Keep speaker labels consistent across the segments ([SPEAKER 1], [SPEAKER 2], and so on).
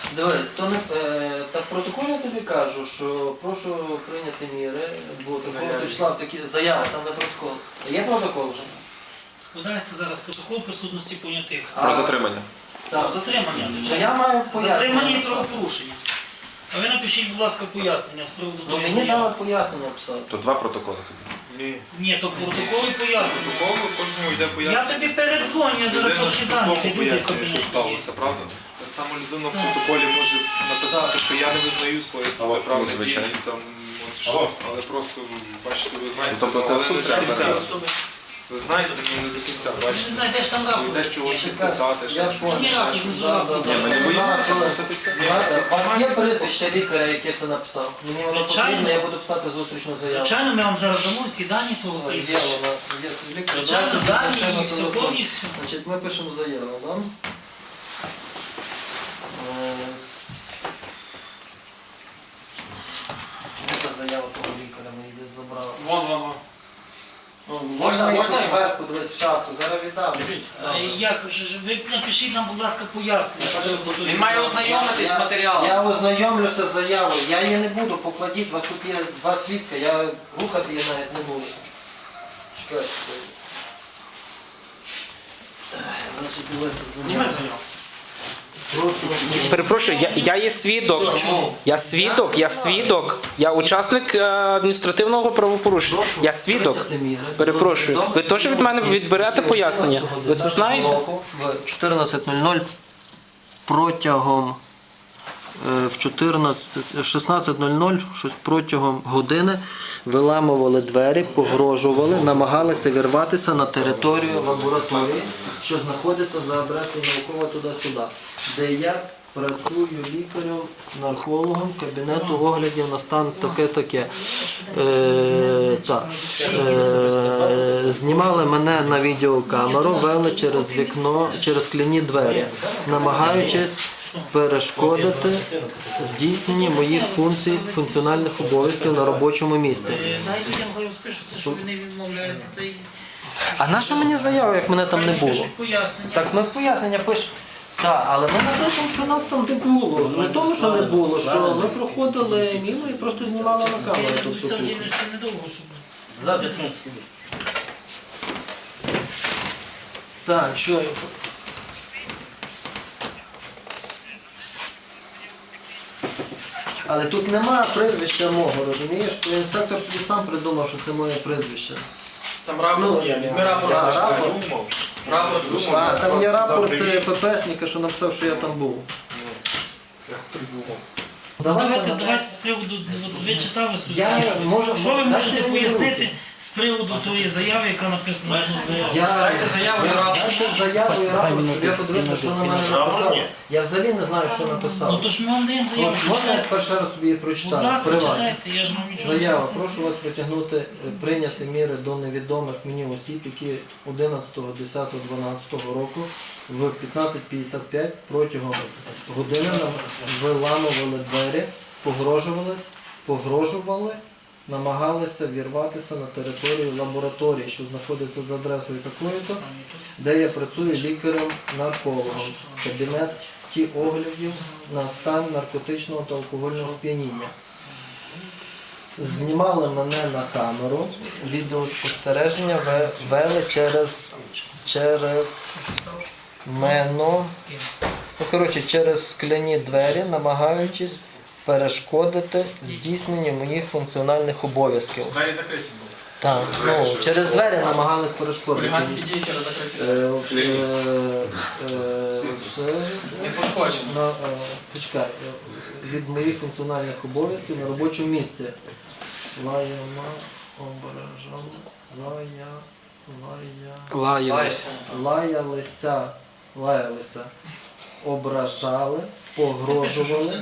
[SPEAKER 1] Дивись, то не, так в протоколі я тобі кажу, що прошу прийняти міри, бо такого числа такі заяви, там не протокол. Є протокол вже?
[SPEAKER 2] Складається зараз протокол присутності понятих.
[SPEAKER 3] Про затримання.
[SPEAKER 1] Так.
[SPEAKER 2] Затримання,
[SPEAKER 1] Що
[SPEAKER 2] звичайно.
[SPEAKER 1] я маю
[SPEAKER 2] Затримання і
[SPEAKER 1] пояснення.
[SPEAKER 2] правопорушення. А ви напишіть, будь ласка, пояснення з приводу
[SPEAKER 1] Ну
[SPEAKER 2] того
[SPEAKER 1] мені дали
[SPEAKER 2] заяви.
[SPEAKER 1] пояснення писати.
[SPEAKER 3] То два протоколи тоді.
[SPEAKER 4] Ні.
[SPEAKER 2] Ні, то протокол і пояснення.
[SPEAKER 4] Протоколу кожному йде
[SPEAKER 2] Я
[SPEAKER 4] пояснення.
[SPEAKER 2] тобі передзвоню, я зараз
[SPEAKER 4] Людина
[SPEAKER 2] трошки
[SPEAKER 4] ж
[SPEAKER 2] зайнятий,
[SPEAKER 4] слово
[SPEAKER 2] люди в
[SPEAKER 4] пояснює, що
[SPEAKER 2] кабінеті є.
[SPEAKER 4] сталося, правда? Так само людина в протоколі може написати, що я не визнаю своїх протиправних дій,
[SPEAKER 3] звичайно.
[SPEAKER 4] там, от що, але просто, бачите, ви знаєте,
[SPEAKER 3] Тобто це
[SPEAKER 4] але
[SPEAKER 3] в суд
[SPEAKER 4] не до
[SPEAKER 3] треба
[SPEAKER 4] кінця.
[SPEAKER 3] брати?
[SPEAKER 4] Ви знаєте, але не до кінця,
[SPEAKER 2] Ви
[SPEAKER 4] бачите.
[SPEAKER 2] не знаєте, ж там
[SPEAKER 4] Ви
[SPEAKER 2] рапорт.
[SPEAKER 4] йдеш чогось
[SPEAKER 2] є.
[SPEAKER 4] підписати,
[SPEAKER 1] Я
[SPEAKER 4] ще щось.
[SPEAKER 1] понял.
[SPEAKER 2] Ні, рапорт, не
[SPEAKER 1] Да, да,
[SPEAKER 2] Ні,
[SPEAKER 1] да.
[SPEAKER 3] ми не боїмося.
[SPEAKER 1] У вас є прізвище лікаря, яке це написав? Мені воно
[SPEAKER 2] Звичайно.
[SPEAKER 1] потрібно, я буду писати зустрічну заяву.
[SPEAKER 2] Звичайно, ми вам зараз дамо всі дані того
[SPEAKER 1] Є
[SPEAKER 2] прізвища.
[SPEAKER 1] вона, є лікар.
[SPEAKER 2] Звичайно,
[SPEAKER 1] Давайте
[SPEAKER 2] дані
[SPEAKER 1] підпишемо
[SPEAKER 2] і все
[SPEAKER 1] телефон.
[SPEAKER 2] повністю.
[SPEAKER 1] Значить, ми пишемо заяву, да? Яка заява того лікаря мені десь забрала?
[SPEAKER 5] Вон.
[SPEAKER 1] Ну,
[SPEAKER 5] Можна його?
[SPEAKER 1] Вверх подивись в шату, зараз віддам.
[SPEAKER 2] Як же, ви напишіть нам, будь ласка, пояснення. з приводу того
[SPEAKER 5] Він має
[SPEAKER 2] заяви.
[SPEAKER 5] ознайомитись з матеріалом.
[SPEAKER 1] Я ознайомлюся з заявою, я її не буду, покладіть, у вас тут є два свідка, я рухати її навіть не буду. Чекайте. Значить, дивися,
[SPEAKER 5] Зніми за нього.
[SPEAKER 1] прошу.
[SPEAKER 6] Перепрошую, я є свідок. Я свідок. Я учасник адміністративного правопорушення. Я свідок. Перепрошую. Ви теж від мене відберете пояснення? Ви це знаєте?
[SPEAKER 1] В 14:00 протягом в 16:00 щось протягом години виламували двері, погрожували, намагалися вірватися на територію лабораторії, що знаходиться за адресою наукова туди-сюди, де я працюю лікарем, наркологом кабінету оглядів на стан таке-таке. Знімали мене на відеокамеру, вели через вікно, через скляні двері, намагаючись перешкодити здійсненні моїх функцій, функціональних обов'язків на робочому місці.
[SPEAKER 2] Дай людям хай розпишуться, що вони відмовляються. Та й
[SPEAKER 1] А на що мені заява, як мене там не було?
[SPEAKER 2] пишуть пояснення.
[SPEAKER 1] Так ми в пояснення пишемо. Так, але ми напишемо, що нас там не було. Не тому, що не було, що ми проходили мимо і просто знімали на камеру ту всю
[SPEAKER 2] Це
[SPEAKER 1] штуку.
[SPEAKER 2] недовго, щоб...
[SPEAKER 1] Так, що я... Але тут немає прізвища мого, розумієш? То інспектор собі сам придумав, що це моє прізвище.
[SPEAKER 5] Там рапорт є, візьми рапорт.
[SPEAKER 1] Да,
[SPEAKER 5] почитай.
[SPEAKER 1] рапорт.
[SPEAKER 5] Рапорт.
[SPEAKER 1] А, там є рапорт ППСника, що написав, що я там був.
[SPEAKER 2] Давайте з приводу, от ви читали суть.
[SPEAKER 1] Я можу...
[SPEAKER 2] Що ви
[SPEAKER 1] Дайте
[SPEAKER 2] можете
[SPEAKER 1] мені
[SPEAKER 2] пояснити
[SPEAKER 1] руки.
[SPEAKER 2] з приводу тої заяви, яка написана в заяві?
[SPEAKER 5] Дайте заяву і рапорт.
[SPEAKER 1] Дайте заяву і рапорт, щоб я подивився, що на мене написав. Я взагалі не знаю, що
[SPEAKER 2] Ну
[SPEAKER 1] написав.
[SPEAKER 2] то ж ми вам даємо заяву.
[SPEAKER 1] Можна я
[SPEAKER 2] Читайте.
[SPEAKER 1] перший раз собі її
[SPEAKER 2] Будь
[SPEAKER 1] прочитаю?
[SPEAKER 2] ласка,
[SPEAKER 1] Приватно.
[SPEAKER 2] читайте, я ж вам нічого не
[SPEAKER 1] Заява.
[SPEAKER 2] писав.
[SPEAKER 1] Прошу вас притягнути, прийняти міри до невідомих мені осіб, які 11.10.12 року в 15:55 протягом години нам виламували двері, погрожували, намагалися вірватися на територію лабораторії, що знаходиться за адресою такою-то, де я працюю лікарем-наркологом в кабінеті оглядів на стан наркотичного та алкогольного сп'яніння. Знімали мене на камеру, відеоспостереження вели через мене, через скляні двері, намагаючись перешкодити здійсненню моїх функціональних обов'язків.
[SPEAKER 5] Двері закриті були.
[SPEAKER 1] Так, через двері намагались перешкодити.
[SPEAKER 5] Хуліганські дії через закриті двері. Не пошкоджені.
[SPEAKER 1] Почекай, від моїх функціональних обов'язків на робочому місці. Лаялися, ображали, погрожували.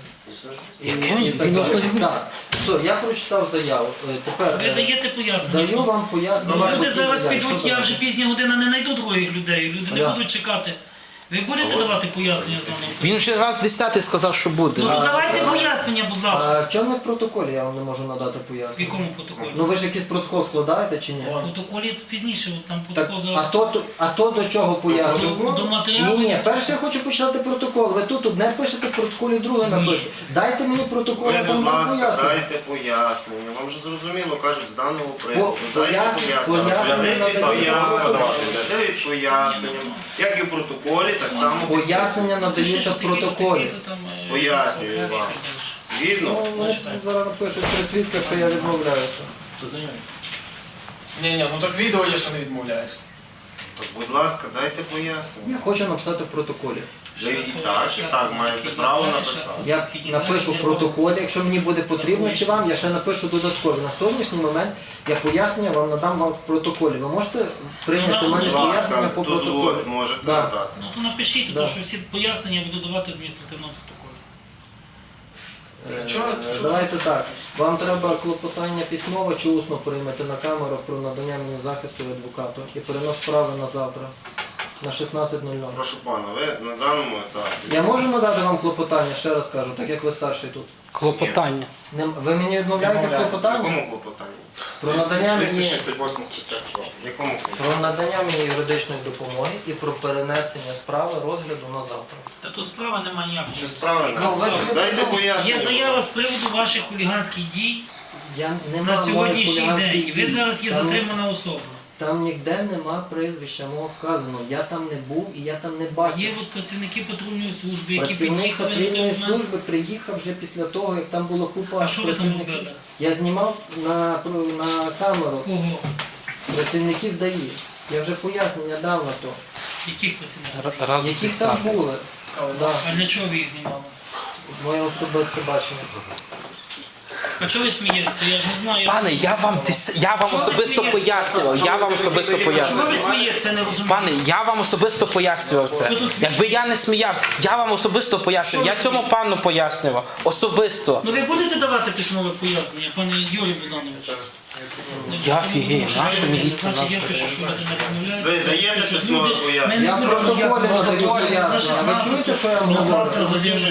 [SPEAKER 1] Все, я прочитав заяву. Тепер
[SPEAKER 2] Ви даєте пояснення.
[SPEAKER 1] даю вам пояснення.
[SPEAKER 2] Люди зараз
[SPEAKER 1] Що
[SPEAKER 2] підуть, я
[SPEAKER 1] там?
[SPEAKER 2] вже пізня година не знайду других людей. Люди не
[SPEAKER 1] Я.
[SPEAKER 2] будуть чекати. Ви будете давати пояснення з даного?
[SPEAKER 6] Він вже раз 10 сказав, що буде.
[SPEAKER 2] Ну то давайте пояснення, будь ласка.
[SPEAKER 1] А чому не в протоколі я вам не можу надати
[SPEAKER 2] В
[SPEAKER 1] пояснення?
[SPEAKER 2] якому протоколі?
[SPEAKER 1] Ну ви ж якийсь протокол складаєте чи ні?
[SPEAKER 2] В протоколі пізніше, от там
[SPEAKER 1] Так,
[SPEAKER 2] протокол зараз.
[SPEAKER 1] а то до чого пояснення?
[SPEAKER 2] До матеріалу.
[SPEAKER 1] Ні, перше я хочу почитати протокол. Ви тут одне пишете, в протоколі друге напишете. Дайте мені протокол,
[SPEAKER 3] Ви,
[SPEAKER 1] я там
[SPEAKER 3] будь
[SPEAKER 1] дам
[SPEAKER 3] ласка,
[SPEAKER 1] пояснення.
[SPEAKER 3] дайте пояснення. Вам же зрозуміло, кажуть, з даного приводу.
[SPEAKER 1] Пояснення
[SPEAKER 3] Дають пояснення. Як і в протоколі, так само.
[SPEAKER 1] Пояснення надаються в протоколі.
[SPEAKER 3] Пояснюю вам. Згідно?
[SPEAKER 1] Ну, вони зараз напишуть при свідках, що я відмовляюся.
[SPEAKER 5] Ні, ну так відео є, що не відмовляєшся.
[SPEAKER 3] То, будь ласка, дайте пояснення.
[SPEAKER 1] Я хочу написати в протоколі.
[SPEAKER 3] Ви і так маєте право написати.
[SPEAKER 1] Я напишу в протоколі, якщо мені буде потрібно, чи вам, я ще напишу додатково. На сьогоднішній момент я пояснення вам надам вам в протоколі. Ви можете прийняти у мене
[SPEAKER 3] Будь
[SPEAKER 1] пояснення
[SPEAKER 3] ласка,
[SPEAKER 1] по
[SPEAKER 3] тут
[SPEAKER 1] протоколі?
[SPEAKER 3] от можете
[SPEAKER 1] Да.
[SPEAKER 3] надати.
[SPEAKER 2] Ну то напишіть,
[SPEAKER 1] Да.
[SPEAKER 2] тому що всі пояснення буду давати в адміністративному протоколі.
[SPEAKER 1] Давайте так. Вам треба клопотання письмово чи усно приймати на камеру про надання мені захисту від адвокату і перенос справи на завтра на 16:00.
[SPEAKER 3] Прошу пана, ви на даному етапі.
[SPEAKER 1] Я можу надати вам клопотання, ще раз кажу, так як ви старший тут.
[SPEAKER 6] Клопотання.
[SPEAKER 1] Ви мені відмовляєте в
[SPEAKER 3] В
[SPEAKER 1] клопотанні?
[SPEAKER 3] якому клопотанні?
[SPEAKER 1] Про надання мені,
[SPEAKER 4] 268 стаття.
[SPEAKER 3] В якому клопотанні?
[SPEAKER 1] про надання мені юридичної допомоги і про перенесення справи розгляду на завтра.
[SPEAKER 2] Та тут справа немає ніякої.
[SPEAKER 3] Чи справи
[SPEAKER 1] Ну, ви-
[SPEAKER 3] не дайте пояснення.
[SPEAKER 2] Є заява з приводу ваших хуліганських дій
[SPEAKER 1] Я не
[SPEAKER 2] на
[SPEAKER 1] маю
[SPEAKER 2] сьогоднішній
[SPEAKER 1] моїх
[SPEAKER 2] день.
[SPEAKER 1] хуліганських
[SPEAKER 2] Ви
[SPEAKER 1] дій.
[SPEAKER 2] зараз є
[SPEAKER 1] Там-
[SPEAKER 2] затримана особа.
[SPEAKER 1] Там ніде нема прізвища мого вказано. Я там не був і я там не бачив.
[SPEAKER 2] Є от працівники патрульної служби, які
[SPEAKER 1] Працівник
[SPEAKER 2] під'їхали на
[SPEAKER 1] патрульної
[SPEAKER 2] той момент.
[SPEAKER 1] служби приїхав вже після того, як там було купа
[SPEAKER 2] А що ви там
[SPEAKER 1] працівників.
[SPEAKER 2] робили?
[SPEAKER 1] Я знімав на камеру
[SPEAKER 2] Кого?
[SPEAKER 1] працівників ДАІ. Я вже пояснення дав на то.
[SPEAKER 2] Яких працівників?
[SPEAKER 6] Раз
[SPEAKER 1] Які
[SPEAKER 6] 10.
[SPEAKER 1] там були. Да,
[SPEAKER 2] А для чого ви їх знімали?
[SPEAKER 1] моє особисте бачення.
[SPEAKER 2] А чого ви смієтеся? Я ж не знаю.
[SPEAKER 6] Пане, я вам
[SPEAKER 2] Що ви
[SPEAKER 6] особисто
[SPEAKER 2] смієтеся?
[SPEAKER 6] пояснював. Я вам особисто
[SPEAKER 2] Чого
[SPEAKER 6] пояснював.
[SPEAKER 2] ви смієтеся, не розумію?
[SPEAKER 6] Пане, я вам особисто пояснював це. Якби я не сміявся, я вам особисто пояснював. Я цьому пану пояснював. Особисто.
[SPEAKER 2] Ну ви будете давати письмове пояснення, пане Юрій Богданович?
[SPEAKER 6] Я офігею, наша міліція
[SPEAKER 2] Значить, я
[SPEAKER 6] нас.
[SPEAKER 2] пишу, що ви не відмовляєтеся.
[SPEAKER 3] Ви даєте
[SPEAKER 2] Пишу,
[SPEAKER 3] письмове
[SPEAKER 2] люди,
[SPEAKER 3] пояснення?
[SPEAKER 2] ми не
[SPEAKER 1] Я в
[SPEAKER 2] будемо
[SPEAKER 1] протоколі
[SPEAKER 2] ніякого
[SPEAKER 1] надаю
[SPEAKER 2] протоколу.
[SPEAKER 1] пояснення. Ви чуєте, що я вам
[SPEAKER 2] На завтра
[SPEAKER 1] говорю?
[SPEAKER 2] задержуєш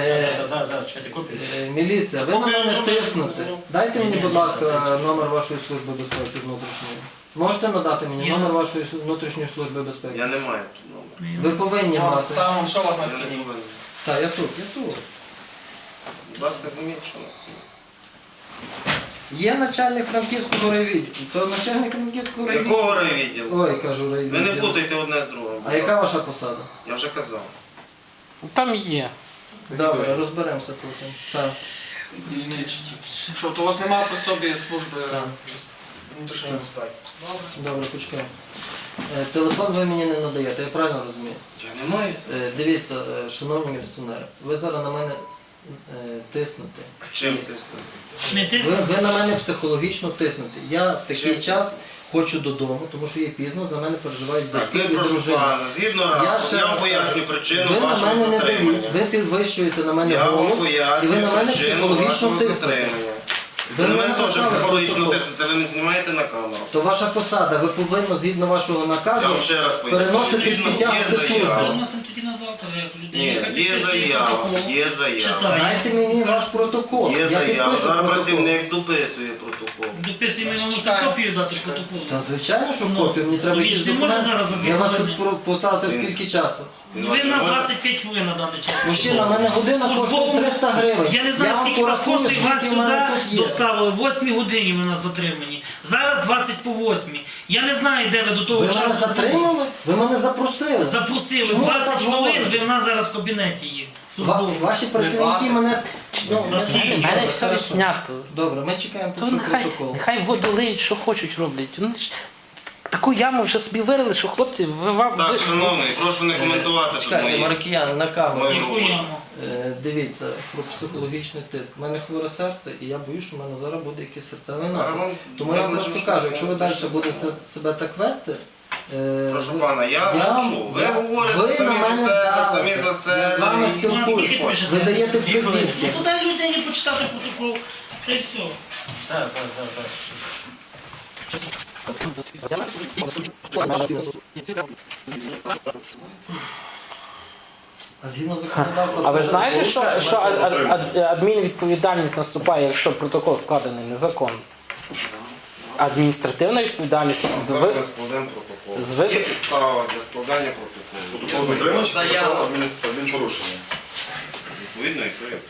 [SPEAKER 1] Міліція, ви на мене тиснете. Дайте мені, будь ласка, номер вашої служби безпеки внутрішньої. Можете надати мені
[SPEAKER 2] Я-
[SPEAKER 1] номер вашої внутрішньої служби безпеки?
[SPEAKER 3] Я не маю тут номера.
[SPEAKER 1] Ви повинні мати.
[SPEAKER 5] Там що у вас на
[SPEAKER 3] Я не
[SPEAKER 5] стіні?
[SPEAKER 3] повинен.
[SPEAKER 1] Так, я тут, я тут.
[SPEAKER 3] Будь ласка, зніміть, що на стіні.
[SPEAKER 1] Є начальник Франківського райвідділу. То начальник Франківського райвідділу.
[SPEAKER 3] Якого райвідділу?
[SPEAKER 1] Ой, кажу
[SPEAKER 3] Ви не
[SPEAKER 1] райвідділу.
[SPEAKER 3] путайте одне з другим.
[SPEAKER 1] А яка ваша посада?
[SPEAKER 3] Я вже казав.
[SPEAKER 6] Там є.
[SPEAKER 1] Добре, розберемося потім. Так.
[SPEAKER 5] Що, то у вас немає при собі служби
[SPEAKER 1] Так.
[SPEAKER 5] внутрішньої безпеки?
[SPEAKER 1] Добре, почекаємо. Телефон ви мені не надаєте, я правильно розумію?
[SPEAKER 3] Я не маю.
[SPEAKER 1] Дивіться, шановні міліціонери, ви зараз на мене тиснете.
[SPEAKER 3] Чим тиснути?
[SPEAKER 2] Не
[SPEAKER 1] Ви,
[SPEAKER 2] тисніть.
[SPEAKER 1] ви на мене психологічно тиснете. Я в такий
[SPEAKER 3] Чим?
[SPEAKER 1] час хочу додому, тому що є пізно, за мене переживають
[SPEAKER 3] Так,
[SPEAKER 1] батьки
[SPEAKER 3] ви
[SPEAKER 1] і
[SPEAKER 3] прошу
[SPEAKER 1] дружина.
[SPEAKER 3] пана, згідно рапорту, я вам поясню причину
[SPEAKER 1] Ви на
[SPEAKER 3] вашого
[SPEAKER 1] мене не
[SPEAKER 3] затримання.
[SPEAKER 1] даєте, ви підвищуєте на мене
[SPEAKER 3] Я вам
[SPEAKER 1] голос, і
[SPEAKER 3] пояснюю
[SPEAKER 1] ви на мене
[SPEAKER 3] причину
[SPEAKER 1] психологічно
[SPEAKER 3] вашого
[SPEAKER 1] тиснете.
[SPEAKER 3] затримання.
[SPEAKER 1] Ви
[SPEAKER 3] Ви на
[SPEAKER 1] мене
[SPEAKER 3] мене теж
[SPEAKER 1] написали
[SPEAKER 3] психологічно
[SPEAKER 1] протокол.
[SPEAKER 3] тиснете, ви не знімаєте на камеру.
[SPEAKER 1] То ваша посада, ви повинні згідно вашого
[SPEAKER 3] Я
[SPEAKER 1] наказу
[SPEAKER 3] вам ще раз поясню.
[SPEAKER 1] переносити
[SPEAKER 3] Згідно
[SPEAKER 1] всі тягти
[SPEAKER 3] є
[SPEAKER 1] служби.
[SPEAKER 3] заява.
[SPEAKER 2] Переносимо тоді на завтра, як людей.
[SPEAKER 3] Ні,
[SPEAKER 2] Нехай
[SPEAKER 3] є
[SPEAKER 2] підписує
[SPEAKER 3] заява,
[SPEAKER 2] протокол.
[SPEAKER 3] є заява.
[SPEAKER 2] Читає.
[SPEAKER 1] Дайте мені ваш протокол.
[SPEAKER 3] Є
[SPEAKER 1] Я
[SPEAKER 3] заява.
[SPEAKER 1] підпишу
[SPEAKER 3] Зараз
[SPEAKER 1] протокол.
[SPEAKER 3] працівник дописує протокол.
[SPEAKER 2] Дописуємо, ми мусимо
[SPEAKER 5] Чекаємо.
[SPEAKER 2] копію дати протоколу.
[SPEAKER 1] Та звичайно, що
[SPEAKER 2] Ну,
[SPEAKER 1] копію, мені треба
[SPEAKER 2] він ж
[SPEAKER 1] якісь
[SPEAKER 2] не може
[SPEAKER 1] документи.
[SPEAKER 2] зараз за
[SPEAKER 1] Я вас
[SPEAKER 2] хвилини.
[SPEAKER 1] тут потратив скільки часу.
[SPEAKER 2] Ви на 25 хвилин на даний час.
[SPEAKER 1] Мужчина, в мене година коштує
[SPEAKER 2] Службовому-
[SPEAKER 1] 300 гривень.
[SPEAKER 2] Я не знаю,
[SPEAKER 1] вам
[SPEAKER 2] скільки вас
[SPEAKER 1] порахую,
[SPEAKER 2] коштує, вас
[SPEAKER 1] скільки в мене
[SPEAKER 2] сюди
[SPEAKER 1] тут є.
[SPEAKER 2] доставили. В 8 годині ви нас затримані. Зараз 20 по 8. Я не знаю, де ви до того
[SPEAKER 1] Ви мене
[SPEAKER 2] часу
[SPEAKER 1] затримали? Ви мене запросили.
[SPEAKER 2] запросили.
[SPEAKER 1] Чому ви
[SPEAKER 2] 20
[SPEAKER 1] так
[SPEAKER 2] хвилин,
[SPEAKER 1] говорите?
[SPEAKER 2] ви в нас зараз в кабінеті є. Службовому.
[SPEAKER 1] Ваші працівники
[SPEAKER 5] 20.
[SPEAKER 1] мене... Ну,
[SPEAKER 2] Наскільки?
[SPEAKER 6] У мене
[SPEAKER 1] добре,
[SPEAKER 6] все
[SPEAKER 1] хорошо.
[SPEAKER 6] відснято.
[SPEAKER 1] Добре, ми чекаємо
[SPEAKER 6] То
[SPEAKER 1] почути
[SPEAKER 6] нехай,
[SPEAKER 1] протокол.
[SPEAKER 6] нехай воду лиють, що хочуть роблять. Вони ж таку яму вже собі вирили, що хлопці,
[SPEAKER 3] Так, шановний, прошу не коментувати тут
[SPEAKER 1] Чекайте,
[SPEAKER 3] мої.
[SPEAKER 1] маркіяни, на камеру.
[SPEAKER 3] Ми-
[SPEAKER 2] Яку яму?
[SPEAKER 1] Дивіться, про психологічний тиск. У мене хворе серце, і я боюсь, що в мене зараз буде якийсь серцевий напад. Тому я вам просто кажу, якщо ви далі будете себе так вести,
[SPEAKER 3] Прошу пана, я мовчу. Ви говорите
[SPEAKER 1] ви
[SPEAKER 3] самі
[SPEAKER 1] на
[SPEAKER 3] за
[SPEAKER 1] мене
[SPEAKER 3] себе,
[SPEAKER 1] давите.
[SPEAKER 3] самі за
[SPEAKER 1] Я з
[SPEAKER 3] себе.
[SPEAKER 1] вами
[SPEAKER 3] і-
[SPEAKER 2] Ну, а скільки
[SPEAKER 1] спілкуюсь.
[SPEAKER 2] пишете?
[SPEAKER 1] Ви даєте
[SPEAKER 2] Дві хвилини.
[SPEAKER 1] вказівки.
[SPEAKER 2] Ну, то дай людині почитати протокол. Та й все.
[SPEAKER 1] А згідно законодавства...
[SPEAKER 6] А ви знаєте, що адмінвідповідальність наступає, якщо протокол складений незаконно? Адміністративна відповідальність
[SPEAKER 3] Складемо протокол.
[SPEAKER 6] з ви-
[SPEAKER 3] Є підстава для складання протоколу.
[SPEAKER 5] Заява.
[SPEAKER 7] Адмінпорушення.
[SPEAKER 3] Відповідно, і то є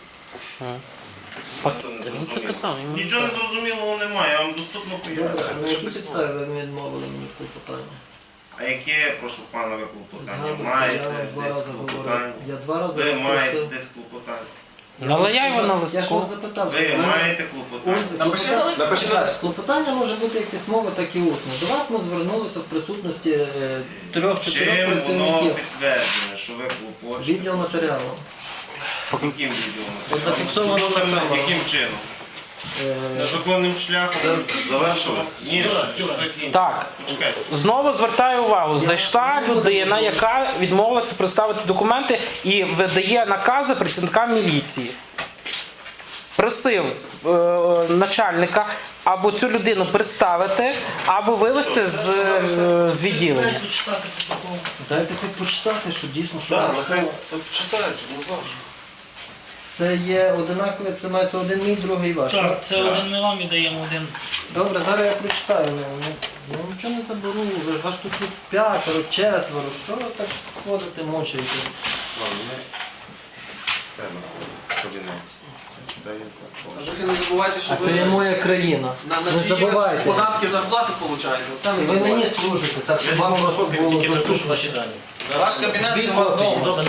[SPEAKER 6] Ну, це казав, йому-
[SPEAKER 3] Нічого не зрозумілого немає, я вам доступно поясню.
[SPEAKER 1] На якій підставі ви відмовили мені в клопотанні?
[SPEAKER 3] А яке, прошу пана, ви клопотання?
[SPEAKER 1] Згадуйте,
[SPEAKER 3] Маєте
[SPEAKER 1] я вам 2
[SPEAKER 3] десь
[SPEAKER 1] рази говорив.
[SPEAKER 3] клопотання?
[SPEAKER 1] Я 2 рази
[SPEAKER 3] Ви маєте
[SPEAKER 1] просив.
[SPEAKER 3] десь клопотання?
[SPEAKER 6] Наливай його на
[SPEAKER 1] Я ж
[SPEAKER 6] листку.
[SPEAKER 1] вас запитав.
[SPEAKER 3] Ви
[SPEAKER 1] що
[SPEAKER 3] маєте клопотання?
[SPEAKER 5] Напиши на лист.
[SPEAKER 1] Клопотання може бути як письмове, так і усне. До вас ми звернулися в присутності 3-4
[SPEAKER 3] Чим воно
[SPEAKER 1] працівників.
[SPEAKER 3] підтверджене, що ви клопочете?
[SPEAKER 1] Відеоматеріалом.
[SPEAKER 3] Яким відеоматеріалом?
[SPEAKER 1] От зафіксовано на камеру.
[SPEAKER 3] Яким чином?
[SPEAKER 1] Е,
[SPEAKER 3] Незаконним шляхом? Завершили? Ні, що закінчили?
[SPEAKER 6] Так,
[SPEAKER 3] Почекайте.
[SPEAKER 6] знову звертаю увагу. Зайшла людина, яка відмовилася представити документи і видає накази працівникам міліції. Просив начальника або цю людину представити, або вивезти з відділення.
[SPEAKER 2] Дайте читати протокол.
[SPEAKER 1] Дайте хоч почитати, що дійсно, що
[SPEAKER 7] Так,
[SPEAKER 1] написано.
[SPEAKER 7] нехай почитають, ну завжди.
[SPEAKER 1] Це є одинакове, це мається один мій, другий ваш.
[SPEAKER 2] Так, це один ми вам і даємо один.
[SPEAKER 1] Добре, зараз я прочитаю. Ну, нічого не заберу, ви ж ваш тут 5, 4, що ви так ходите, мочаєте?
[SPEAKER 5] А ви не забувайте, що
[SPEAKER 1] А це є
[SPEAKER 5] ви
[SPEAKER 1] моя країна. Не забувайте.
[SPEAKER 5] податки, зарплати получаєте. Оце не
[SPEAKER 1] І ви мені
[SPEAKER 5] забувайте.
[SPEAKER 1] служите, так щоб вам просто було доступно.
[SPEAKER 5] Ваш кабінет це
[SPEAKER 1] Дві
[SPEAKER 5] у вас
[SPEAKER 1] копії.
[SPEAKER 5] вдома.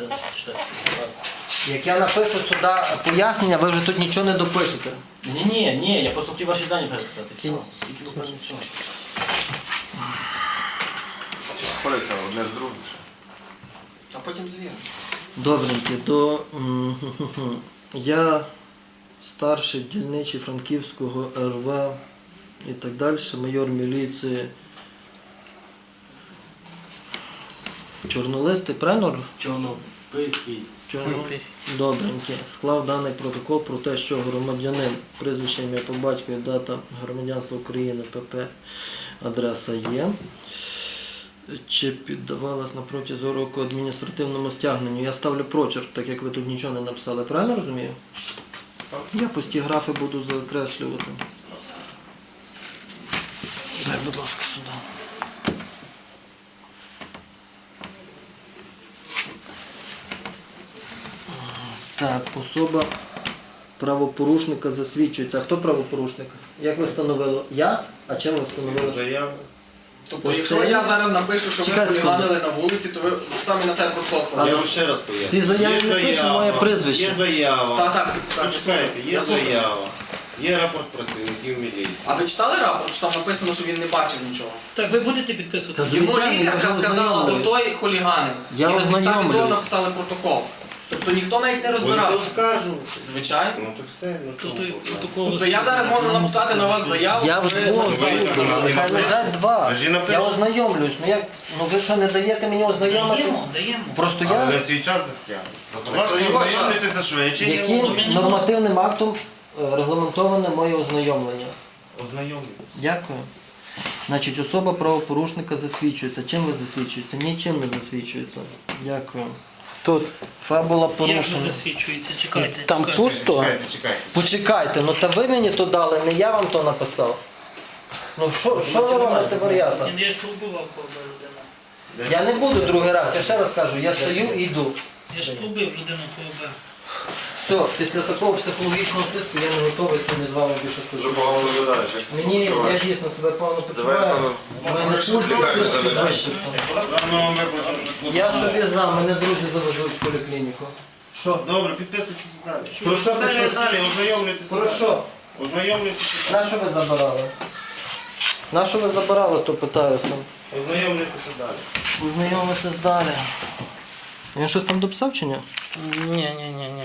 [SPEAKER 1] Як я напишу сюди пояснення, ви вже тут нічого не допишете.
[SPEAKER 8] Ні, я просто хотів ваші дані переписати. Все. Тільки буквально все.
[SPEAKER 7] Спориться одне з другим.
[SPEAKER 5] А потім звіримо.
[SPEAKER 1] Добренькі, я старший дільничий Франківського РВ і так далі, майор міліції. Чорнолистий, правильно?
[SPEAKER 8] Чорнописький.
[SPEAKER 1] Добренькі. Склав даний протокол про те, що громадянин, прізвище, ім'я по батькові, дата громадянства України, ПП, адреса є. Чи піддавалась на протязі року адміністративному стягненню? Я ставлю прочерк, так як ви тут нічого не написали. Правильно розумію? Я пусті графи буду закреслювати. Дай, будь ласка, сюди. Так, особа правопорушника засвідчується. А хто правопорушник? Як ви встановили? Я? А чим ви встановили?
[SPEAKER 3] Заяву.
[SPEAKER 5] Тобто, якщо я зараз напишу, що ви
[SPEAKER 1] Чекай
[SPEAKER 5] хуліганили на вулиці, то ви самі на себе протокол
[SPEAKER 3] Я
[SPEAKER 5] складаєте.
[SPEAKER 3] вам ще раз поясню.
[SPEAKER 1] Ці заяви
[SPEAKER 3] Є
[SPEAKER 1] не пише
[SPEAKER 3] заява,
[SPEAKER 1] моє прізвище.
[SPEAKER 3] Є заява.
[SPEAKER 5] Так.
[SPEAKER 3] Почекайте, є
[SPEAKER 5] Я слухаю.
[SPEAKER 3] заява. Є рапорт працівників міліції.
[SPEAKER 5] А ви читали рапорт, що там написано, що він не бачив нічого?
[SPEAKER 2] Так, ви будете підписувати?
[SPEAKER 1] Та
[SPEAKER 5] Йому
[SPEAKER 1] звичайно, я вже
[SPEAKER 5] лікарка сказала,
[SPEAKER 1] ознайомлююсь.
[SPEAKER 5] отой хуліганин.
[SPEAKER 1] Я
[SPEAKER 5] І на підставі
[SPEAKER 1] ознайомлююсь.
[SPEAKER 5] того написали протокол. Тобто ніхто навіть не
[SPEAKER 3] Будете
[SPEAKER 5] розбирався.
[SPEAKER 3] оскаржувати.
[SPEAKER 5] Звичайно.
[SPEAKER 3] Ну то все, ну
[SPEAKER 2] То
[SPEAKER 3] чому
[SPEAKER 2] той
[SPEAKER 3] проблема?
[SPEAKER 2] протокол.
[SPEAKER 5] Тобто я зараз можу написати на вас заяву.
[SPEAKER 1] Я
[SPEAKER 5] що ви-
[SPEAKER 1] вдвох
[SPEAKER 3] ви
[SPEAKER 1] буду,
[SPEAKER 3] виконали
[SPEAKER 1] нехай
[SPEAKER 3] накази.
[SPEAKER 1] лежать два.
[SPEAKER 3] Ви ж і напишете.
[SPEAKER 1] Я ознайомлюсь. Ну ви що, не даєте мені ознайомити?
[SPEAKER 2] Даємо.
[SPEAKER 1] Просто
[SPEAKER 3] Але
[SPEAKER 1] я
[SPEAKER 3] ви свій час затягнете. Будь ласка,
[SPEAKER 5] його час.
[SPEAKER 3] ознайомлюйтеся швидше.
[SPEAKER 1] яким нормативним актом регламентоване моє ознайомлення?
[SPEAKER 3] Ознайомлюйтеся.
[SPEAKER 1] Дякую. Значить, особа правопорушника засвідчується. Чим ви засвідчуєте? Нічим не засвідчується. Дякую.
[SPEAKER 6] Тут
[SPEAKER 1] Фабула
[SPEAKER 2] Як не
[SPEAKER 1] порушена.
[SPEAKER 2] засвідчується? Чекайте.
[SPEAKER 6] там
[SPEAKER 2] чекайте.
[SPEAKER 6] пусто.
[SPEAKER 3] Чекайте.
[SPEAKER 1] Почекайте, ну та ви мені то дали, не я вам то написав. Ну що ви робите, варіата?
[SPEAKER 2] Я ж пробивав КОБ людину.
[SPEAKER 1] Я не буду другий раз, я ще раз кажу, я стою і йду.
[SPEAKER 2] Я ж пробив людину КОБ.
[SPEAKER 1] Все, після такого психологічного тиску я не готовий сьогодні з вами більше
[SPEAKER 7] Дуже
[SPEAKER 1] спілкуватися.
[SPEAKER 7] погано виглядаєш, як ти
[SPEAKER 1] Мені, я
[SPEAKER 7] почуваєш.
[SPEAKER 1] дійсно себе погано
[SPEAKER 7] Давай,
[SPEAKER 1] почуваю.
[SPEAKER 7] пане,
[SPEAKER 1] У мене
[SPEAKER 7] можеш
[SPEAKER 1] пульс
[SPEAKER 7] лікарню
[SPEAKER 1] трошки
[SPEAKER 7] завести?
[SPEAKER 1] підвищився.
[SPEAKER 3] Рано вам викличемо швидку.
[SPEAKER 1] Я собі знав, мене друзі завезуть в поліклініку. Що?
[SPEAKER 3] Добре, підписуйтесь далі.
[SPEAKER 1] Про що
[SPEAKER 3] Далі,
[SPEAKER 1] пишеться?
[SPEAKER 3] далі, ознайомлюйтеся.
[SPEAKER 1] Про що?
[SPEAKER 3] Ознайомлюйтеся.
[SPEAKER 1] На що ви забирали? На що ви забирали, то питаюся.
[SPEAKER 3] Ознайомлюйтеся далі.
[SPEAKER 1] Познайомитись далі. Він щось там дописав чи ні?
[SPEAKER 6] Ні.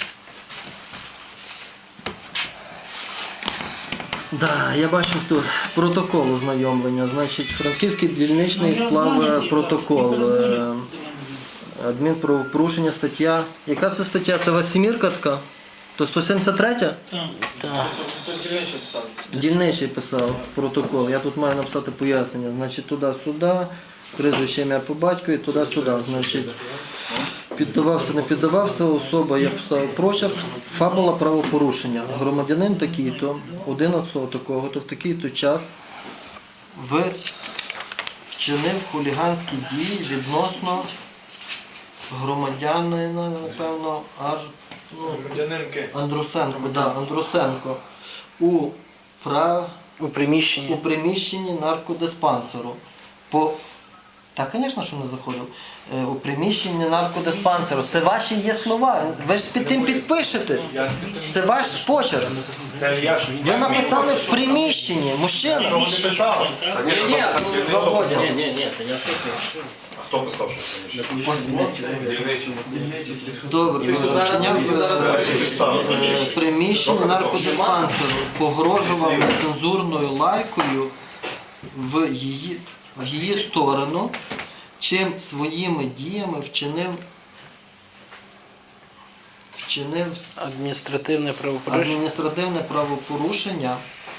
[SPEAKER 1] Да, я бачив тут протокол ознайомлення. Значить, Франківський дільничний склав протокол. Адмінправопорушення стаття. Яка це стаття? Це у вас сімірка така? То 173?
[SPEAKER 2] Так.
[SPEAKER 5] Хтось більше писав.
[SPEAKER 1] Дільничий писав протокол. Я тут маю написати пояснення. Значить, туди-сюди, прізвище ім'я по батькові, туди-сюди. Значить, Піддавався, не піддавався, особа, я поставив прочерк, фабула правопорушення. Громадянин такий-то, 11-го такого-то, в такий-то час вчинив хуліганські дії відносно громадянина, напевно,
[SPEAKER 4] Громадянинки.
[SPEAKER 1] Андрусенко
[SPEAKER 6] У приміщенні.
[SPEAKER 1] у приміщенні наркодиспансеру. Так, звісно, що не заходив. У приміщенні наркодиспансеру. Це ваші є слова. Ви ж під тим підпишетесь. Це ваш почерк.
[SPEAKER 4] Це ж я ж.
[SPEAKER 1] Ви написали в приміщенні. Мужчина.
[SPEAKER 5] Ні, ні,
[SPEAKER 1] Свободен.
[SPEAKER 8] Ні, це я що.
[SPEAKER 7] А хто писав, що Дільничий.
[SPEAKER 1] Добре.
[SPEAKER 5] Ти що зараз
[SPEAKER 1] В приміщенні наркодиспансеру погрожував нецензурною лайкою в її сторону, чим своїми діями вчинив
[SPEAKER 6] Адміністративне правопорушення.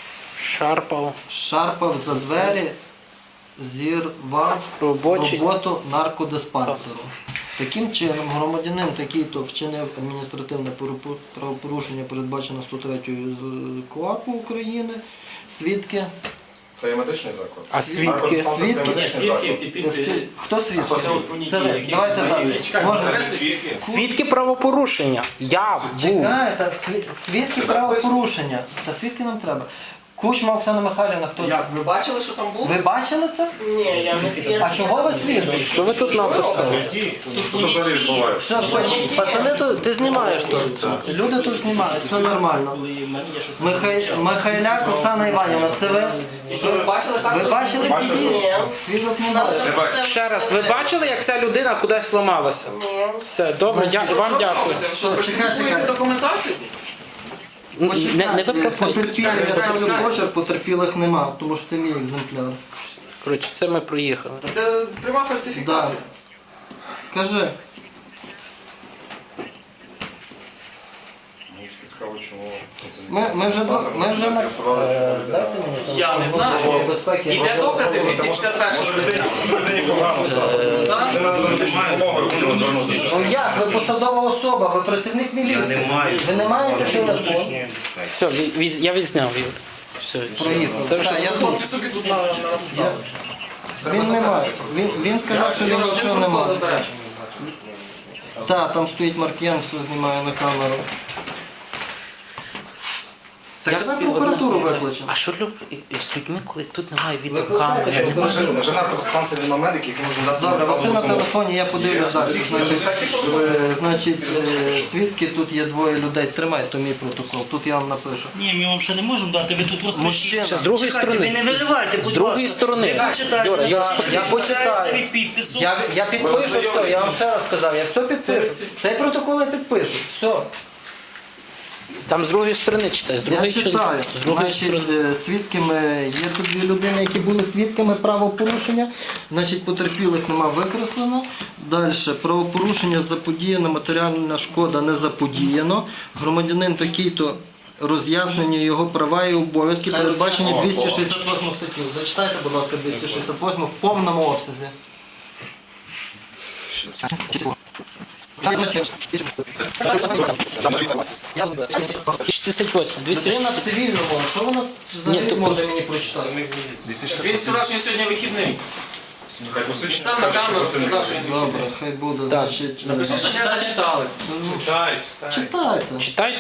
[SPEAKER 1] шарпав за двері, зірвав роботу наркодиспансеру. Таким чином, громадянин такий-то вчинив адміністративне правопорушення, передбачено 103 КУАПу України. Свідки.
[SPEAKER 7] Це є медичний заклад?
[SPEAKER 6] А свідки?
[SPEAKER 1] Хто свідки? Це ви. Давайте так. Можна?
[SPEAKER 6] Свідки правопорушення. Я був.
[SPEAKER 1] Чекай, та свідки правопорушення. Та свідки нам треба. Кучма Оксана Михайлівна, хто?
[SPEAKER 5] Як, ви бачили, що там було?
[SPEAKER 1] Ви бачили це?
[SPEAKER 3] Ні, я не
[SPEAKER 1] А чого ви свідки?
[SPEAKER 6] Що ви тут написали?
[SPEAKER 7] Що тут взагалі відбувається?
[SPEAKER 1] Все, пацани, ти знімаєш тут. Люди тут знімають, все нормально. Михайляк Оксана Іванівна, це ви?
[SPEAKER 5] І що, ви бачили так?
[SPEAKER 1] Ви бачили ці дії? Свідок немає.
[SPEAKER 6] Ще раз, ви бачили, як ця людина кудись зламалася? Все, добре, вам дякую.
[SPEAKER 5] Що,
[SPEAKER 1] Чекай.
[SPEAKER 5] документацію?
[SPEAKER 6] Не виправдовуйте.
[SPEAKER 1] Потерпілих, я ставлю почерк, потерпілих нема, тому що це мій екземпляр.
[SPEAKER 6] Коротше, це ми проїхали.
[SPEAKER 5] Та це пряма фальсифікація.
[SPEAKER 1] Кажи.
[SPEAKER 7] Мені цікаво, чому
[SPEAKER 1] Ми вже
[SPEAKER 7] з'ясували, чому людина.
[SPEAKER 5] Я не знаю. Іде докази 261 стаття.
[SPEAKER 7] Людині погано стало. Людина за медичну допомогою хотіла звернутися.
[SPEAKER 1] Ну як? Ви посадова особа, ви працівник міліції. Ви не маєте телефон?
[SPEAKER 6] Все, я відзняв, Юр. Все,
[SPEAKER 1] Проїхав.
[SPEAKER 6] це вже
[SPEAKER 1] Так, я тут.
[SPEAKER 5] Хлопці собі тут написали.
[SPEAKER 1] Він не має. Він сказав, що він нічого не має. Так, там стоїть Маркіян, все знімає на камеру. Так давай прокуратуру викличемо.
[SPEAKER 6] А що з людьми, коли тут немає
[SPEAKER 1] Викликайте
[SPEAKER 6] відеокамери?
[SPEAKER 7] Вже наркодиспансері нема медиків, які можуть дати
[SPEAKER 1] Добре, Василь на телефоні, я подивлюсь далі. Значить, свідки, тут є двоє людей. Тримай, то мій протокол. Тут я вам напишу.
[SPEAKER 2] Ні, ми вам ще не можемо дати, ви тут розпишіть.
[SPEAKER 1] Мужчина.
[SPEAKER 6] З другої
[SPEAKER 2] Чекайте, ви не
[SPEAKER 6] сторони.
[SPEAKER 2] виливайте, будь
[SPEAKER 6] З другої
[SPEAKER 2] ласка.
[SPEAKER 6] сторони.
[SPEAKER 2] Ви почитайте,
[SPEAKER 6] Юра,
[SPEAKER 1] я почитаю.
[SPEAKER 2] від підпису.
[SPEAKER 1] Я підпишу все, я вам ще раз сказав, я все підпишу. Цей протокол я підпишу. Все.
[SPEAKER 6] Там з другої сторони читай, з
[SPEAKER 1] Я
[SPEAKER 6] другої
[SPEAKER 1] читаю.
[SPEAKER 6] з другої сторони.
[SPEAKER 1] Значить, свідками, є тут дві людини, які були свідками правопорушення. Значить, потерпілих нема викреслено. Далі, правопорушення заподіяно, матеріальна шкода не заподіяно. Громадянин такий-то, роз'яснення його права і обов'язки передбачені 268 статтю. Зачитайте, будь ласка, 268 в повному обсязі.
[SPEAKER 6] 268, 200.
[SPEAKER 1] Людина в цивільному, що вона взагалі
[SPEAKER 6] то-
[SPEAKER 1] може мені прочитати?
[SPEAKER 5] Він сказав, що сьогодні вихідний.
[SPEAKER 7] Хай посвідчення
[SPEAKER 5] Сам на
[SPEAKER 7] каже, що
[SPEAKER 5] камеру
[SPEAKER 7] це не
[SPEAKER 5] сказав, що він вихідний.
[SPEAKER 1] Добре, хай буде,
[SPEAKER 6] Так.
[SPEAKER 1] значить.
[SPEAKER 5] Напиши, що не зачитали.
[SPEAKER 1] Читайте.
[SPEAKER 6] Читайте.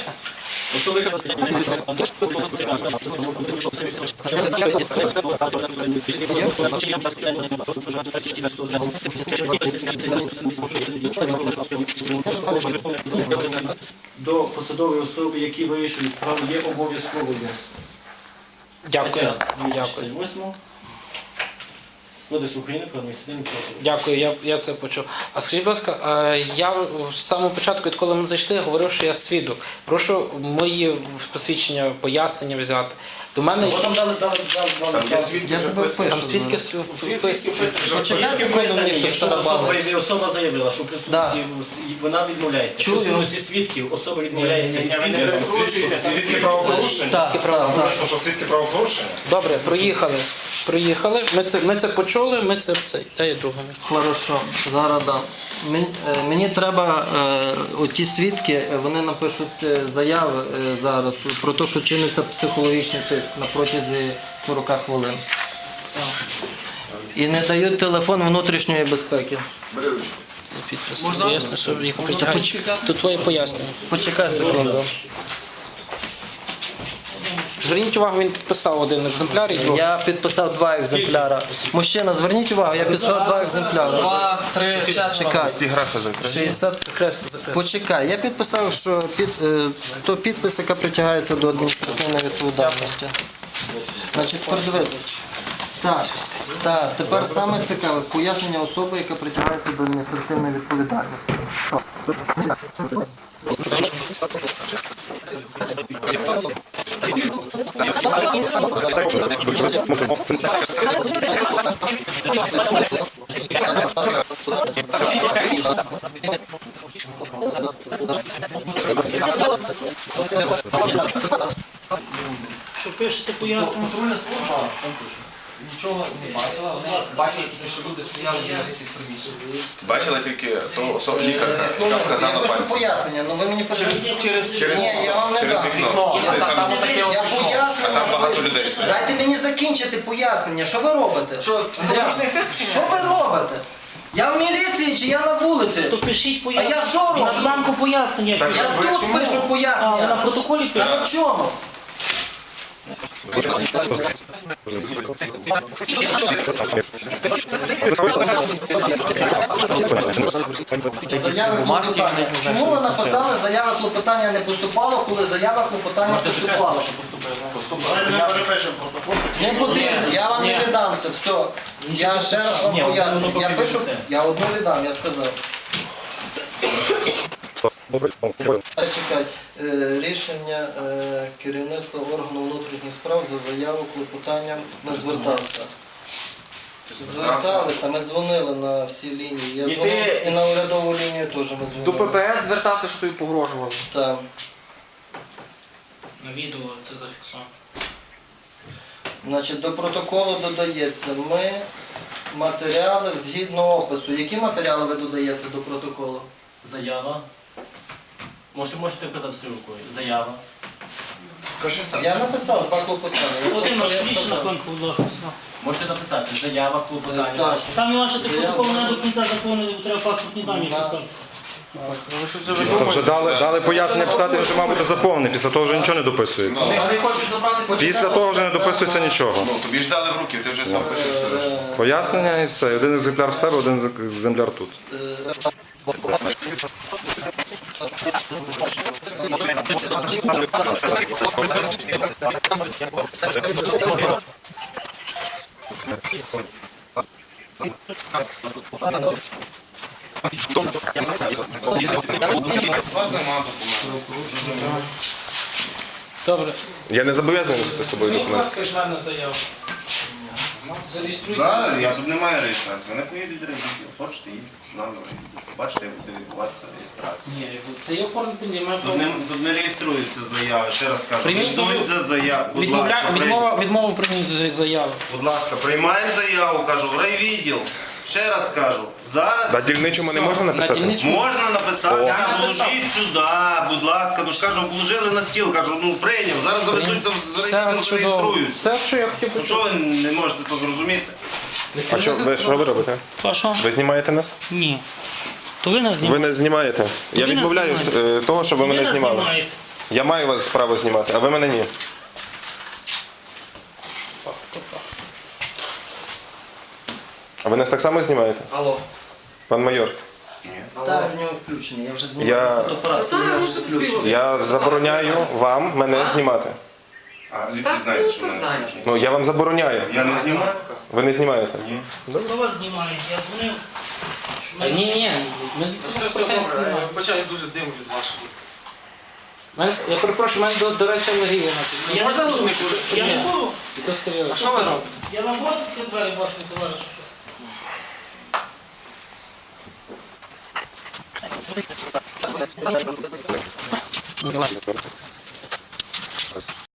[SPEAKER 8] До посадової особи, які вирішують справу, є обов'язковою.
[SPEAKER 6] Дякую.
[SPEAKER 8] Дякую. 8 Кодексу України про адміністративне правопорушення.
[SPEAKER 6] Дякую, я це почув. А скажіть, будь ласка, я з самого початку, відколи ми зайшли, говорив, що я свідок. Прошу мої посвідчення, пояснення взяти. До мене
[SPEAKER 8] От там дали.
[SPEAKER 7] Там є свідки,
[SPEAKER 1] Я
[SPEAKER 7] вже
[SPEAKER 1] тебе
[SPEAKER 7] вписані.
[SPEAKER 6] там
[SPEAKER 1] пишу.
[SPEAKER 6] свідки
[SPEAKER 1] Почекай секунду, мені хтось
[SPEAKER 8] Якщо
[SPEAKER 1] тарабанить.
[SPEAKER 8] особа заявила, що при
[SPEAKER 1] Да.
[SPEAKER 8] суді вона відмовляється.
[SPEAKER 1] Чую.
[SPEAKER 8] При суді свідків особа відмовляється.
[SPEAKER 7] Свідки правопорушення?
[SPEAKER 1] Так, так.
[SPEAKER 7] Написано, що свідки правопорушення?
[SPEAKER 6] Добре, проїхали. Ми це почули, ми це та є другими.
[SPEAKER 1] Хорошо, зараз дам. Мені треба, оті свідки, вони напишуть заяви зараз про те, що чиниться психологічний тиск на протязі 40 хвилин. І не дають телефон внутрішньої безпеки.
[SPEAKER 6] Підпис. Ясно, що їх притягають. Тут твоє пояснення.
[SPEAKER 1] Почекай секунду.
[SPEAKER 6] Зверніть увагу, він підписав один екземпляр і другий.
[SPEAKER 1] Я підписав 2 екземпляра. Мужчина, зверніть увагу, я підписав 2 екземпляри.
[SPEAKER 5] 2, 3, 4.
[SPEAKER 1] Чекай.
[SPEAKER 7] Ті графи закриті.
[SPEAKER 1] 60. Почекай, я підписав, що то підпис, яка притягається до адміністративної відповідальності. Значить, подивись. Так, тепер саме цікаве пояснення особи, яка притягається до адміністративної відповідальності.
[SPEAKER 2] Що пишете пояснення?
[SPEAKER 5] Контрольна служба нічого не бачила, вони бачили, що люди стояли біля цих приміщень.
[SPEAKER 7] Бачила тільки ту особу лікарка, яка
[SPEAKER 1] Я
[SPEAKER 7] вказала
[SPEAKER 1] пишу
[SPEAKER 7] пальцем.
[SPEAKER 1] пояснення, але ви мені подивіться.
[SPEAKER 7] Через
[SPEAKER 1] Ні, я вам не
[SPEAKER 7] через
[SPEAKER 1] дам.
[SPEAKER 7] вікно.
[SPEAKER 1] Я
[SPEAKER 7] Там-
[SPEAKER 1] Я
[SPEAKER 7] А
[SPEAKER 1] пояснення.
[SPEAKER 7] там багато людей стоять.
[SPEAKER 1] Дайте мені закінчити пояснення. Що ви робите?
[SPEAKER 5] Що, психологічний тиск чи ні?
[SPEAKER 1] Що ви робите? Я в міліції чи я на вулиці?
[SPEAKER 2] То пишіть
[SPEAKER 1] А
[SPEAKER 2] пояснення.
[SPEAKER 1] я що роблю?
[SPEAKER 2] На бланку пояснення.
[SPEAKER 7] Так,
[SPEAKER 1] Я
[SPEAKER 7] ви
[SPEAKER 1] тут
[SPEAKER 7] чому?
[SPEAKER 1] пишу
[SPEAKER 2] А, ви на
[SPEAKER 1] пояснення.
[SPEAKER 2] протоколі
[SPEAKER 1] Я
[SPEAKER 2] пишете?
[SPEAKER 1] на чому? Заяви клопотання. Чому ви написали, заява клопотання не поступало, коли заява клопотання поступала?
[SPEAKER 3] Давайте ми перепишемо протокол.
[SPEAKER 1] Не потрібно, я вам не віддам це, все. Я ще раз вам поясню. Я пишу, я одну віддам, я сказав. Чекай, рішення керівництва органу внутрішніх справ за заяву клопотанням не звертався. Зверталися, ми дзвонили на всі лінії. Я дзвонив і на урядову лінію теж ми
[SPEAKER 5] До
[SPEAKER 1] дзвонили.
[SPEAKER 5] ППС звертався, що тобі погрожували.
[SPEAKER 1] Так.
[SPEAKER 2] На відео це зафіксовано.
[SPEAKER 1] Значить, до протоколу додається ми матеріали згідно опису. Які матеріали ви додаєте до протоколу?
[SPEAKER 8] Заява. Можете вказати всю рукою. Заява.
[SPEAKER 7] Скажи сам.
[SPEAKER 1] Я написав 2 клопотання.
[SPEAKER 2] Володимир,
[SPEAKER 1] Я
[SPEAKER 2] свідчи на
[SPEAKER 1] сказав.
[SPEAKER 2] конку, будь ласка.
[SPEAKER 8] Можете написати заява, клопотання.
[SPEAKER 1] Так.
[SPEAKER 8] ваше.
[SPEAKER 2] Там Іван, ти
[SPEAKER 1] Заява.
[SPEAKER 2] протокол не до кінця заповнений, бо треба паспортні дані писати.
[SPEAKER 9] Вже дали пояснення писати, вже, мабуть, заповнений. Після того вже нічого не дописується.
[SPEAKER 5] Вони хочуть забрати
[SPEAKER 9] Після того вже не дописується нічого.
[SPEAKER 7] Ну, тобі ж дали в руки, ти вже сам пишеш все решта.
[SPEAKER 9] Пояснення і все. Один екземпляр в себе, один екземпляр тут.
[SPEAKER 6] Добре.
[SPEAKER 9] Я не зобов'язаний носити з собою
[SPEAKER 2] Будь
[SPEAKER 9] документи.
[SPEAKER 2] ласка, з мене заяву.
[SPEAKER 3] Зараз я тут немає реєстрації. Вони поїдуть до ревізію. Хочете їдете з нами в ревізію. Побачите, як буде відбуватися реєстрація.
[SPEAKER 2] Ні, це є оформити, я маю
[SPEAKER 3] Тут не реєструються заяви, ще раз кажу.
[SPEAKER 6] Прийміть
[SPEAKER 3] Йдуться заяви. Будь ласка,
[SPEAKER 6] Відмова прийняти заяву.
[SPEAKER 3] будь ласка, приймаємо заяву, кажу, в райвідділ. Ще раз кажу, зараз
[SPEAKER 9] На дільничому не можна написати?
[SPEAKER 3] можна написати,
[SPEAKER 9] О.
[SPEAKER 3] кажу, ложіть сюди, будь ласка, ну ж кажу, положили на стіл, кажу, ну прийняв, зараз завезуться в
[SPEAKER 6] Все
[SPEAKER 3] райвідділ,
[SPEAKER 6] чудово.
[SPEAKER 3] зареєструються.
[SPEAKER 6] Все, що я хотів
[SPEAKER 3] Ну
[SPEAKER 6] почути.
[SPEAKER 3] чого ви не можете це зрозуміти?
[SPEAKER 9] А що ви робите?
[SPEAKER 2] Що?
[SPEAKER 9] Ви знімаєте нас?
[SPEAKER 2] Ні. То ви нас знімаєте.
[SPEAKER 9] Ви не знімаєте. Я
[SPEAKER 2] нас
[SPEAKER 9] відмовляюсь того, щоб ви мене знімали. Я маю вас право знімати, а ви мене ні. А ви нас так само знімаєте?
[SPEAKER 1] Алло.
[SPEAKER 9] Пан майор,
[SPEAKER 1] Так, в нього включений, я вже
[SPEAKER 9] Я-
[SPEAKER 1] знімаю фотоапарат.
[SPEAKER 5] Зараз
[SPEAKER 1] в нього
[SPEAKER 5] мусить
[SPEAKER 1] включений.
[SPEAKER 5] співати.
[SPEAKER 9] я забороняю вам мене знімати.
[SPEAKER 3] А звідки знаєте, що мене
[SPEAKER 5] зайнято.
[SPEAKER 9] Ну, я вам забороняю.
[SPEAKER 3] Я не знімаю?
[SPEAKER 9] Ви не знімаєте? Ні.
[SPEAKER 2] Хто вас знімає? Я дзвонив.
[SPEAKER 6] Ні, ми
[SPEAKER 5] Все, добре. Бачаю дуже дим від вашого.
[SPEAKER 6] Я перепрошую, в мене, до речі, алергія на це.
[SPEAKER 5] Можна тут не курити?
[SPEAKER 2] Я не буду.
[SPEAKER 6] І то серйозно.
[SPEAKER 5] А що ви робите?
[SPEAKER 2] Я на воду таке двері бачу, товаришу щось.